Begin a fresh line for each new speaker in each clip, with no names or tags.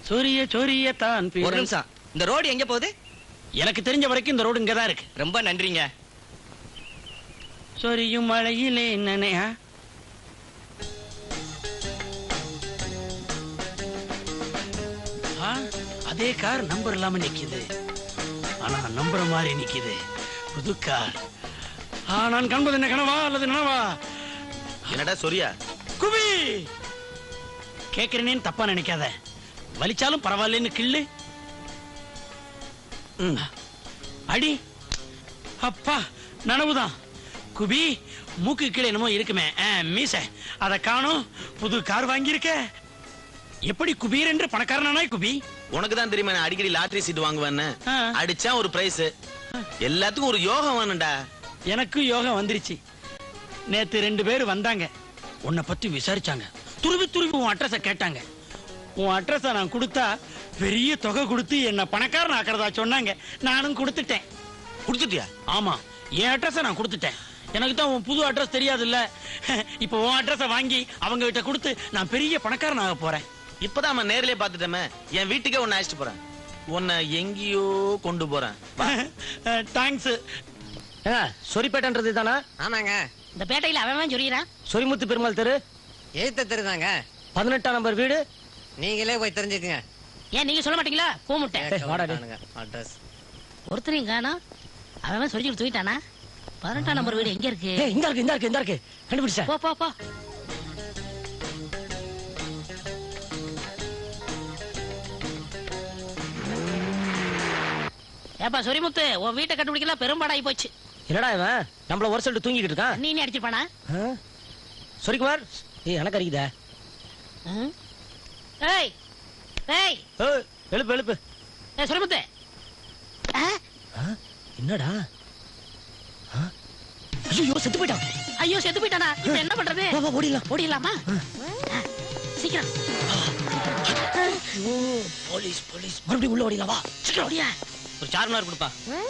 சொரிய சொரிய தான்.
ஒரு நிமிஷம், இந்த ரோடு எங்க போகுது?
எனக்கு தெரிஞ்ச வரைக்கும் இந்த ரோடு இங்கதான் இருக்கு.
ரொம்ப நன்றிங்க.
சொரியும் மழையிலே என்னனையா? அதே கார் நம்பர் இல்லாம நிக்குது, ஆனா நம்புற மாதிரி நிக்குது. புது கார். நான் காண்பது என்ன கனவா அல்லது நனவா?
என்னடா சொரியா?
குபி கேக்குறேன்னு தப்பா நினைக்காத. வலிச்சாலும் பரவாயில்லன்னு கிள்ளு. அடி அப்பா, நனவுதான். குபி, மூக்கு கீழே என்னமோ இருக்குமே மீச, அத காணோம். புது கார் வாங்கியிருக்க. எப்படி குபீர் என்று பணக்காரனாய் குபி?
உனக்கு தான் தெரியுமா நான் அடிக்கடி லாட்டரி சீட் வாங்குவேன்னு. அடிச்சா ஒரு பிரைஸ். எல்லாத்துக்கும் ஒரு யோகம் வேணும்டா.
எனக்கு யோகம் வந்துருச்சு. நேத்து 2 பேர் வந்தாங்க, உன்னை பத்தி விசாரிச்சாங்க. துருவி துருவி உன் அட்ரஸ கேட்டாங்க. உன் அட்ரஸ நான் கொடுத்தா பெரிய தொகை கொடுத்து என்ன பணக்காரன் ஆக்கிறதா சொன்னாங்க. நானும் கொடுத்துட்டேன்.
கொடுத்துட்டியா?
ஆமா, என் அட்ரஸ நான் கொடுத்துட்டேன். எனக்கு தான் உன் புது அட்ரஸ் தெரியாது இல்ல. இப்ப உன் அட்ரஸ வாங்கி அவங்க கிட்ட கொடுத்து நான் பெரிய பணக்காரன் ஆக போறேன்.
இப்பதான் நேர்லயே பாத்துட்டேன். என் வீட்டுக்கே உன்னை அழைச்சிட்டு போறேன். உன்னை எங்கேயோ கொண்டு போறேன்.
தேங்க்ஸ்.
சொரிப்பேட்டன்றது தானா?
ஆமாங்க.
இந்த பேட்டையில அவன் சொல்லிறான்.
சொரிமுத்து பெருமாள் தெரு,
எழுத்த தெருதாங்க.
18ஆம் நம்பர் வீடு.
நீங்களே போய் தெரிஞ்சுக்குங்க.
ஏன் நீங்க சொல்ல மாட்டீங்களா? கூமுட்டேன்
அட்ரஸ்.
ஒருத்தரையும் காணோம். அவன் சொல்லி தூக்கிட்டானா? 18ஆம் நம்பர் வீடு எங்க இருக்கு?
இந்த இருக்கு, இந்த இருக்கு, இந்த இருக்கு. கண்டுபிடிச்சேன்.
போ போ போ. ஏப்பா சொரிமுத்து, உன் வீட்டை கண்டுபிடிக்கலாம் பெரும்பாடாகி போச்சு.
என்னடா இவன் நம்மள ஒரு சொல்லிட்டு தூங்கிட்டு இருக்கான்?
நீ அடிச்சிருப்பானா?
சொரிக்குமார், எனக்கு அடிக்குதா?
ஏய் ஏய்,
எழுப்பு எழுப்பு.
சொரிமுத்து,
என்னடா? ஐயோ, செத்து போயிட்டான்.
ஐயோ, செத்து போயிட்டானா? இப்ப என்ன பண்றது?
ஓடிடலாம்.
ஓடிடலாமா? சீக்கிரம்.
போலீஸ் போலீஸ், மறுபடியும் உள்ள ஓடிடலாம். வா
சீக்கிரம் ஓடியா.
ஒரு சார்மினார் கொடுப்பா.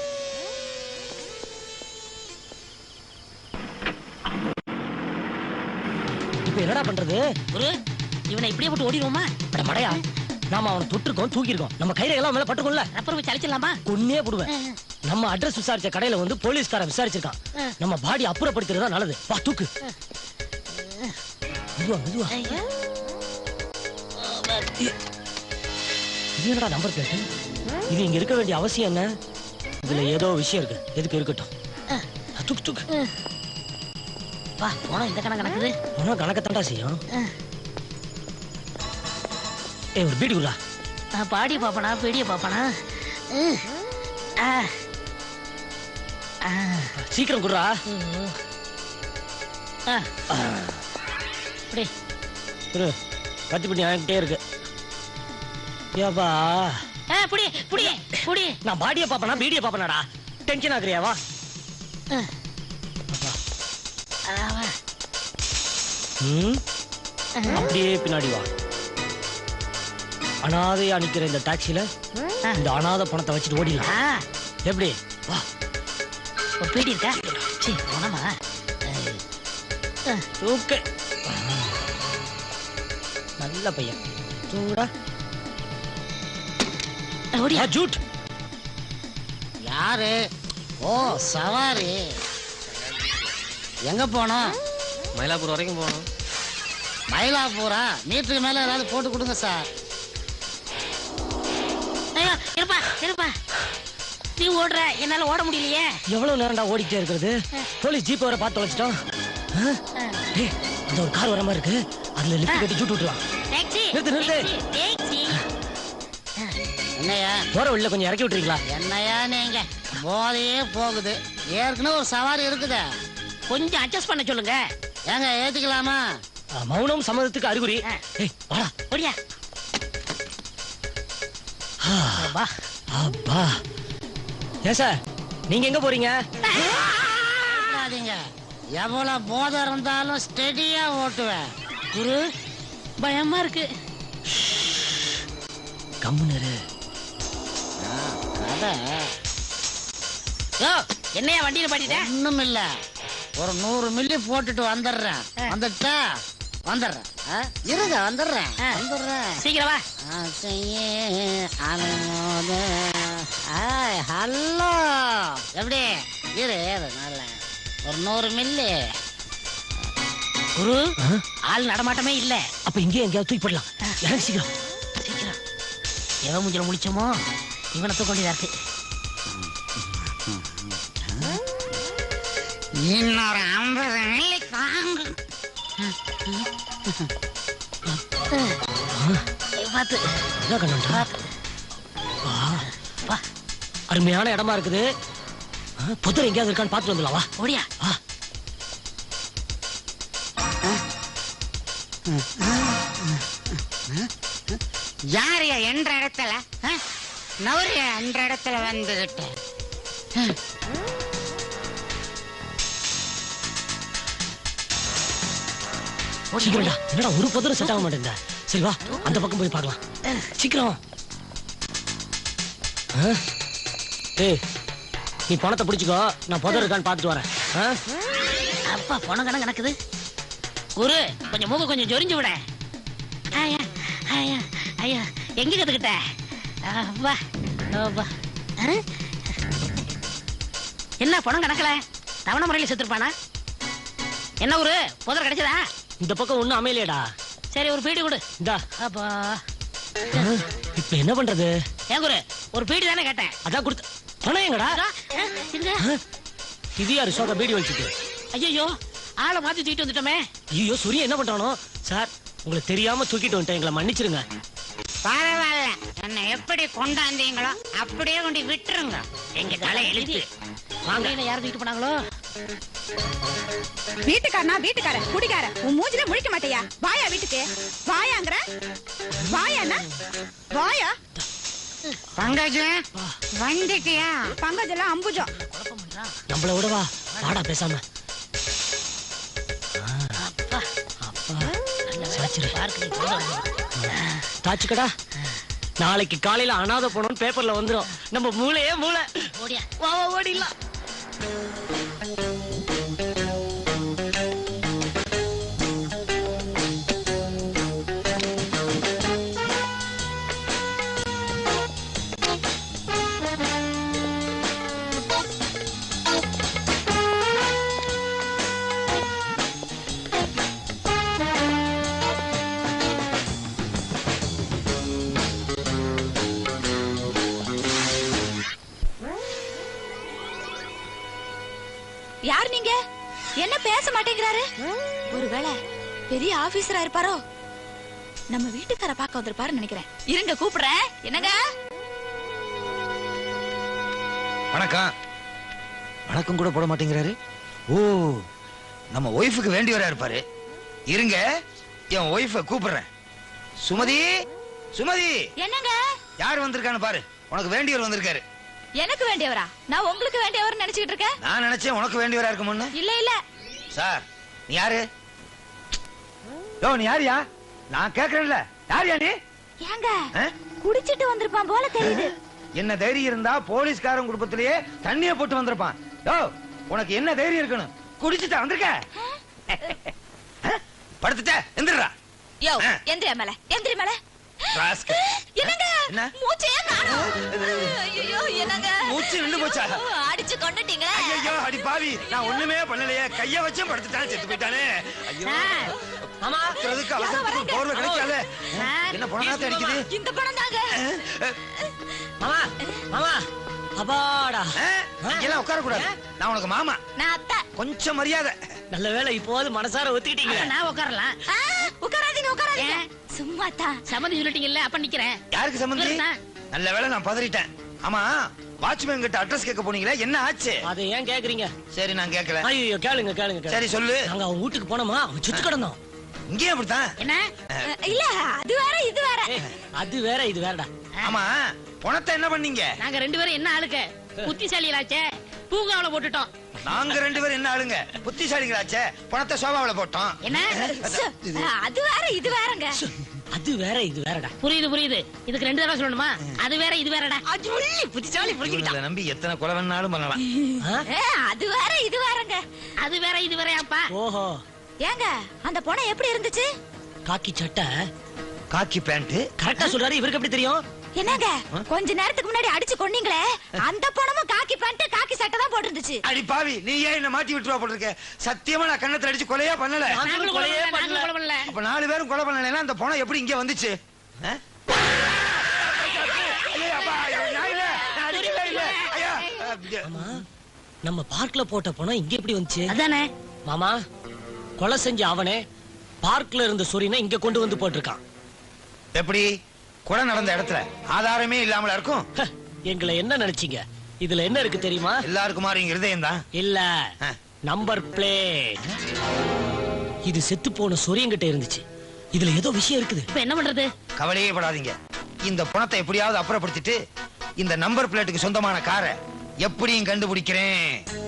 இப்ப என்னடா பண்றது?
குரு, இவனை இப்படியே போட்டு ஓடிடுவோமா?
மடையா, நாம அவனை தொட்டிருக்கோம், தூக்கிருக்கோம். நம்ம கையில எல்லாம் மேல பட்டுக்கோம்ல.
ரப்பர் வச்சு அழிச்சிடலாமா?
கொன்னே போடுவேன். நம்ம அட்ரஸ் விசாரிச்ச கடையில வந்து போலீஸ்காரன் விசாரிச்சிருக்கான். நம்ம பாடி அப்புறப்படுத்துறதா நல்லது. வா தூக்கு. மெதுவா மெதுவா. இது என்னடா நம்பர் பிளேட்? இது இங்க இருக்க வேண்டிய அவசியம் என்ன? இதுல ஏதோ விஷயம் இருக்கு. எதுக்கு இருக்கட்டும். தூக்கு தூக்கு.
வா, போனா இந்த கணக்கு நடக்குது.
போனா கணக்கத்தாண்டா செய்யும். ஒரு பீடி குள்ளா.
பாடி பாப்பனா பீடிய பாப்பனா?
சீக்கிரம் குடுறா. கத்தி பிடி ஆகிட்டே இருக்கு. ஏப்பா,
புடி புடி புடி.
நான் பாடிய பாப்பனா பீடிய பாப்பனாடா? டென்ஷன் ஆகுறியா? வா. அப்படியே பின்னாடி வா. அனாதையா நிக்கிற இந்த டாக்ஸில இந்த அனாதை பணத்தை வச்சுட்டு ஓடிடலாம். எப்படி? வா.
ஒரு பீடி இருக்கா? சீ, போனமா.
ஓகே, நல்ல பையன். சூடா
ஓடியா.
ஜூட்.
யாரு? ஓ, சவாரி. எங்க போனோம்?
மயிலாப்பூர் வரைக்கும் போகணும்.
மயிலாப்பூரா? மீட்டருக்கு மேல ஏதாவது போட்டு கொடுங்க சார்.
இருப்பா இருப்பா. நீ ஓடுற, என்னால ஓட முடியலையே.
எவ்வளவு நேரம்டா ஓடிட்டே இருக்கிறது? போலீஸ் ஜீப் வர பார்த்து தொலைச்சிட்டோம். இந்த ஒரு கார் வர மாதிரி இருக்கு. அதுல லிஃப்ட் கட்டி ஜூட் விட்டுலாம். நிறுத்து நிறுத்து.
என்னையா
போற வழியில கொஞ்சம் இறக்கி விட்டுறீங்களா?
என்னையா நீங்க போதையே போகுது. ஏற்கனவே ஒரு சவாரி இருக்குது.
கொஞ்சம் அட்ஜஸ்ட் பண்ண சொல்லுங்க.
ஏங்க ஏத்துக்கலாமா?
மௌனம் சம்மதத்துக்கு அறிகுறி. வாடா
ஓடியா.
அப்பா. ஏன் சார், நீங்க எங்க போறீங்க?
எவ்வளவு போதை இருந்தாலும் ஸ்டெடியா ஓட்டுவேன்.
குரு, பயமா இருக்கு.
கம்முனரு.
என்னையா வண்டியில பாடிட்ட?
ஒண்ணும் இல்ல, ஒரு 100 மில்லி போட்டுட்டு வந்துடுறேன். வந்துட்டா வந்துடுறேன். இருங்க வந்துடுறேன்
ஆ.
வந்துடுறேன்
சீக்கிரம் வா.
ஹலோ எப்படி இரு நல்ல ஒரு 100 மில்லி.
குரு ஆள் நடமாட்டமே இல்ல.
அப்ப இங்கே எங்கேயாவது தூக்கி போடலாம். எனக்கு சீக்கிரம்.
சீக்கிரம் எவன் மூஞ்சில முடிச்சோமோ இவனை தூக்க வேண்டியதா இருக்கு.
இன்னொரு 50 மில்லி தாங்க.
பார்த்து
என்ன கண்ணா?
வா
அருமையான இடமா இருக்குது. புத்தர் எங்கேயாவது இருக்கான்னு பார்த்துட்டு வந்துடலாம் வா.
ஓடியா.
யாரையா என்ற இடத்துல நவரியா என்ற இடத்துல வந்துகிட்டு
சீக்கிரம்டா. என்னடா ஒரு புதரும் செட் ஆக மாட்டேங்குதா? சரி வா அந்த பக்கம் போய் பார்க்கலாம். சீக்கிரம். ஏய் நீ பணத்தை பிடிச்சிக்கோ, நான் புதர் இருக்கான்னு பார்த்துட்டு வரேன்.
அப்பா பணம் கணக்கு நடக்குது. குரு கொஞ்சம் மூக்க கொஞ்சம் ஜொரிஞ்சு விட. ஐயா ஐயா ஐயா எங்க கத்துக்கிட்ட? வா வா. என்ன பணம் கணக்கல தவணை முறையில் செத்துருப்பானா? என்ன ஒரு புதர் கிடைச்சதா?
இந்த பக்கம் ஒண்ணும் அமையலையடா.
சரி ஒரு பீடி கொடு.
இந்தா.
அப்பா
இப்ப என்ன பண்றது?
ஏன் குரு ஒரு பீடி தானே கேட்டேன்.
அதான் கொடுத்த பணம் எங்கடா? இது யாரு சோக பீடி வச்சுட்டு?
ஐயோ ஆளை மாத்தி தூக்கிட்டு வந்துட்டோமே.
ஐயோ சூரிய என்ன பண்றானோ? சார் உங்களுக்கு தெரியாம தூக்கிட்டு வந்துட்டேன், எங்களை மன்னிச்சிருங்க.
பரவாயில்ல, என்ன எப்படி கொண்டாந்தீங்களோ அப்படியே கொண்டு விட்டுருங்க. எங்க தலை எழுத்து
வாங்க யாரும் தூக்கிட்டு போனாங்களோ?
வீட்டுக்காரனா வீட்டுக்கார குடிக்கார உன் மூஞ்சில முழிக்க மாட்டியா? வாயா வீட்டுக்கு வாயாங்கற வாயாண்ணா வாயா.
பங்கஜம் வந்துட்டியா?
பங்கஜெல்லாம் அம்புஜம்.
குழப்பம் பண்றான்.
நம்மள விடவா வாடா பேசாம.
அப்பா
அப்பா
சாச்சிரு பார்க்க
தாச்சுக்கடா. நாளைக்கு காலையில அனாதை போனோம்னு பேப்பர்ல வந்துரும். நம்ம மூளையே மூளை.
ஓடியா.
வா வா ஓடிடலாம்.
யார் நீங்க? என்ன பேச மாட்டேங்கிறாரு? ஒருவேளை பெரிய ஆபீசரா இருப்பாரோ? நம்ம வீட்டுக்கார பார்க்க வந்திருப்பாருன்னு நினைக்கிறேன். இருங்க கூப்பிடுறேன். என்னங்க?
வணக்கம். வணக்கம் கூட போட மாட்டேங்கிறாரு. ஓ நம்ம ஒய்ஃபுக்கு வேண்டி வரா இருப்பாரு. இருங்க என் ஒய்ஃபை கூப்பிடுறேன். சுமதி சுமதி.
என்னங்க?
யார் வந்திருக்கான்னு பாரு. உனக்கு வேண்டியவர் வந்திருக்காரு.
எனக்கு வேண்டியவரா? நான் உங்களுக்கு வேண்டியவர் நினைச்சிட்டு இருக்கேன்.
நான் நினைச்சேன் உனக்கு வேண்டியவரா இருக்கும்னு.
இல்ல இல்ல
சார் நீ யாரு? யோ நீ யாரியா? நான் கேக்குறேன்ல யாரியா நீ?
ஏங்க குடிச்சிட்டு வந்திருப்பான் போல தெரியுது.
என்ன தைரியம் இருந்தா போலீஸ்காரன் குடும்பத்திலேயே தண்ணிய போட்டு வந்திருப்பான். யோ உனக்கு என்ன தைரியம் இருக்கணும்? குடிச்சிட்டு வந்திருக்க? படுத்துட்ட எந்திரா.
யோ எந்திரி மேல எந்திரி மேல. என்னங்க
என்ன?
மூச்சே காணோம். ஐயோ என்னங்க?
மூச்சு நின்னு போச்சா?
அடிச்சு கொன்னுட்டீங்களே.
ஐயோ அடி பாவி, நான் ஒண்ணுமே பண்ணலையே. கைய வச்சு படுத்துட்டானே, செத்து போயிட்டானே. ஐயோ
மாமா
அதுக்கு அவசரத்துக்கு போர்வை கிடைக்காத. என்ன பணம் அடிக்குது?
இந்த பணம் தாங்க.
மாமா மாமா அப்பாடா.
எல்லாம் உட்கார கூடாது. நான் உனக்கு மாமா.
நான் அத்தை.
கொஞ்சம் மரியாதை.
நல்ல வேளை இப்போது மனசார ஒத்துக்கிட்டீங்க.
நான் உட்காரலாம்.
உட்காராதீங்க உட்காராதீங்க. சும்மா தான்.
சம்மதி சொல்லிட்டீங்கல்ல அப்ப நிக்கிறேன்.
யாருக்கு சம்பந்தி? நல்ல வேளை நான் பதறிட்டேன். ஆமா வாட்ச்மேன் கிட்ட அட்ரஸ் கேட்க போனீங்களே, என்ன ஆச்சு?
அதை ஏன் கேக்குறீங்க?
சரி நான் கேட்கல.
ஐயோ கேளுங்க கேளுங்க.
சரி சொல்லு.
நாங்க அவன் வீட்டுக்கு போனோமா, அவன் சுத்து கிடந்தோம்.
இங்கேயும் அப்படித்தான்.
என்ன?
இல்ல அது வேற இது வேற.
அது வேற இது வேறடா.
ஆமா பணத்தை என்ன பண்ணீங்க?
நாங்க 2 பேரும் என்ன ஆளுக்க புத்திசாலிகளாச்சே, பூங்காவல போட்டுட்டோம்.
நாங்க 2 பேரும் என்ன ஆளுங்க? புத்திசாலிகளாச்சே, பணத்தை சோபாவில போட்டோம்.
என்ன?
அது வேற இது வேறங்க.
அது வேற இது வேறடா.
புரியுது புரியுது. இதுக்கு 2 தடவை சொல்லணுமா? அது வேற இது வேறடா. புத்திசாலி புரிஞ்சுக்கிட்டான்.
இவங்களை நம்பி எத்தனை கொலை வேணாலும் பண்ணலாம்.
அது வேற இது வேறங்க.
அது வேற இது வேறயாப்பா.
ஓஹோ.
ஏங்க அந்த பணம் எப்படி இருந்துச்சு?
காக்கி சட்டை
காக்கி பேண்ட்.
கரெக்டா சொல்றாரு. இவருக்கு எப்படி தெரியும்?
என்னங்க கொஞ்ச நேரத்துக்கு முன்னாடி அடிச்சு கொன்னீங்களே அந்த பொணமும் காக்கி பேண்ட் காக்கி சட்டை தான் போட்டுருந்துச்சு.
அடி பாவி, நீ ஏன் என்ன மாட்டி விட்டுவா போட்டிருக்க? சத்தியமா நான் கண்ணத்துல அடிச்சு கொலையா பண்ணல.
நாங்களும் கொலையே பண்ணல.
அப்ப 4 பேரும் கொலை பண்ணலைன்னா அந்த பொணம் எப்படி இங்க வந்துச்சு? ஆ? ஐயா, அப்பா, நான் இல்ல, நான் அடிக்கவே இல்ல. ஐயா,
மாமா, நம்ம பார்க்ல போட்ட பணம் இங்க எப்படி வந்துச்சு?
அதானே
மாமா, கொலை செஞ்ச அவனே பார்க்ல இருந்த சொரினை இங்க கொண்டு வந்து போட்டிருக்கான்.
எப்படி? கொலை நடந்த இடத்துல ஆதாரமே இல்லாமல இருக்கும்.
ஹ, எங்களை என்ன நினைச்சீங்க? இதுல என்ன இருக்கு தெரியுமா?
எல்லாருக்கும் மாதிரி இருதயம் தான்.
இல்ல,
ஆ.
Number plate. இது செத்து போன சொரியங்கிட்ட இருந்துச்சு. இதுல ஏதோ விஷயம் இருக்குது.
இப்ப என்ன பண்றது?
கவலையே படாதீங்க. இந்த பணத்தை எப்படியாவது அப்புறப்படுத்திட்டு இந்த நம்பர் பிளேட்டுக்கு சொந்தமான காரை எப்படியும் கண்டுபிடிக்கிறேன்.